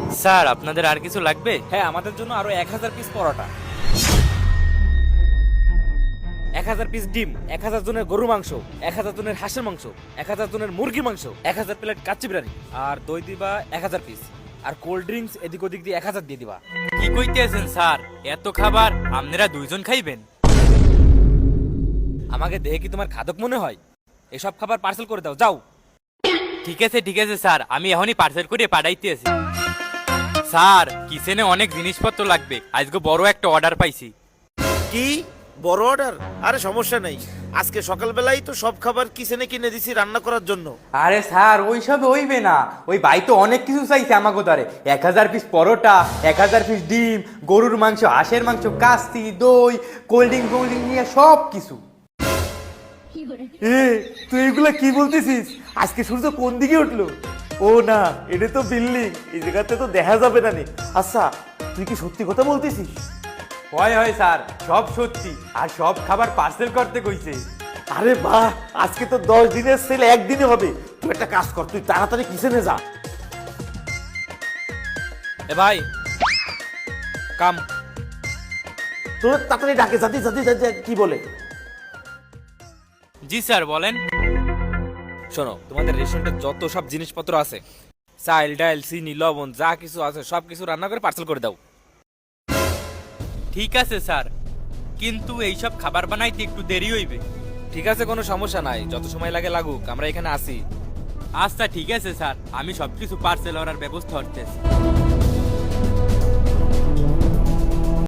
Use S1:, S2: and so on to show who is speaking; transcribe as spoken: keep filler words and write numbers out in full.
S1: Sir আপনাদের আর কিছু লাগবে?
S2: হ্যাঁ, আমাদের জন্য আরো এক হাজার পিস পরোটা, এক হাজার পিস ডিম, এক হাজার জনের গরু মাংস, এক হাজার জনের হাঁসের মাংস, এক হাজার জনের মুরগি মাংস, এক হাজার প্লেট কাচ্চি বিরিয়ানি, আর দই দিবা এক হাজার পিস, আর কোল্ড ড্রিঙ্কস এদিক ওদিক দিয়ে এক হাজার দিয়ে দিবা।
S1: কি কইতেছেন স্যার? এত খাবার আপনারা দুইজন খাইবেন?
S2: আমাকে দেখে কি তোমার খাদক মনে হয়? এসব খাবার পার্সেল করে দাও, যাও।
S1: ঠিক আছে ঠিক আছে স্যার, আমি এখনই পার্সেল করে পাঠাইতেছি। স্যার কিচেনে অনেক জিনিসপত্র লাগবে, আজকে বড় একটা অর্ডার পাইছি।
S3: কি বড় অর্ডার? আরে সমস্যা নেই, আজকে সকালবেলাই তো সব খাবার কিচেনে কিনে দিছি রান্না করার জন্য।
S4: আরে স্যার ওইসব হইবে না, ওই ভাই তো অনেক কিছু চাইছে আমাকে দ্বারে। এক হাজার পিস পরোটা, এক হাজার পিস ডিম, গরুর মাংস, হাঁসের মাংস, কাস্তি, দই, কোল্ড ড্রিঙ্ক কোল্ড ড্রিঙ্ক নিয়ে সব কিছু।
S3: এ তুই এগুলা কি বলতেছিস? আজকে সূর্য কোন দিকে উঠলো? ও না, এটা তো বিল্ডিং, এই জায়গাতে তো দেখা যাবে না নি। আচ্ছা তুই কি সত্যি কথা বলতেছিস?
S4: হয় হয় স্যার, সব সত্যি, আর সব খাবার পার্সেল করতে কইছে।
S3: আরে বাহ, আজকে তো দশ দিনের সেল একদিনে হবে। তুই একটা কাজ কর, তুই তাড়াতাড়ি কিচেনে যা।
S2: এ ভাই, কাম।
S3: তোর তাড়াতাড়ি ডাকে, জাতি জাতি জাতি কি বলে?
S1: জি স্যার বলেন।
S2: শোনো, তোমাদের রেস্টুরেন্টে যত সব জিনিসপত্র আছে, চাল ডাল চিনি লবণ যা কিছু আছে সব কিছু রান্না করে পার্সেল করে দাও।
S1: ঠিক আছে স্যার, কিন্তু এইসব খাবার বানাইতে একটু দেরি হইবে।
S2: ঠিক আছে, কোনো সমস্যা নাই, যত সময় লাগে লাগুক, আমরা এখানে আসি।
S1: আচ্ছা ঠিক আছে স্যার, আমি সবকিছু পার্সেল করার ব্যবস্থা করতেছি।